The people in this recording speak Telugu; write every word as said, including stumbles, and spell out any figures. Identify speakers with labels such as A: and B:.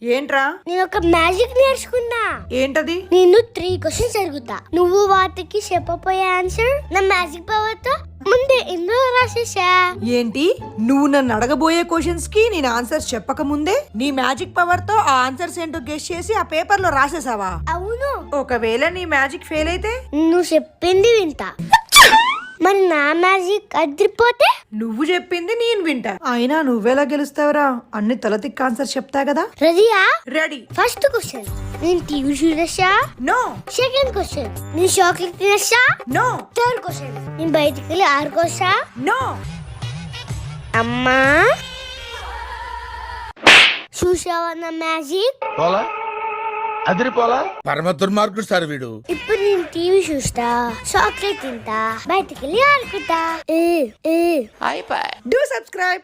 A: ఏంట్రా?
B: నేను ఒక మ్యాజిక్ నేర్చుకున్నా.
A: ఏంటది?
B: నేను త్రీ క్వశ్చన్స్ అడుగుతా, నువ్వు వాటికి చెప్పపోయే ఆన్సర్ నా మ్యాజిక్ పవర్ తో ముందే ఎందులో రాసేసా.
A: ఏంటి, నువ్వు నన్ను అడగబోయే క్వశ్చన్స్ కి నేను ఆన్సర్స్ చెప్పక ముందే నీ మ్యాజిక్ పవర్ తో ఆ ఆన్సర్స్ ఏంటో గెస్ చేసి ఆ పేపర్ లో రాసేసావా?
B: అవును.
A: ఒకవేళ నీ మ్యాజిక్ ఫెయిల్ అయితే?
B: నువ్వు చెప్పింది వింటా, మరి నా మ్యాజిక్ అదిరిపోతే
A: నువ్వు చెప్పింది నేను వింటా. అయినా నువ్వెలా గెలుస్తావురా? అన్ని తలతిక్ ఆన్సర్ చెప్తా కదా.
B: రెడీయా?
A: రెడీ.
B: ఫస్ట్ క్వశ్చన్, నేను టీవీ చూడొచ్చా?
A: నో.
B: సెకండ్ క్వశ్చన్, నేను చాక్లెట్ తినొచ్చా?
A: నో.
B: థర్డ్ క్వశ్చన్, నేను బయటికి వెళ్ళి ఆడుకోవచ్చా?
A: నో.
B: అమ్మా, చూసావా నా మ్యాజిక్?
C: పోలా అదిరిపోలా. పరమ దుర్మార్గుడు సార్ వీడు.
B: ఇప్పుడు నేను టీవీ చూస్తా, చాక్లెట్ తింటా, బయటికి వెళ్ళి ఆడుకుంటా.
A: Do subscribe.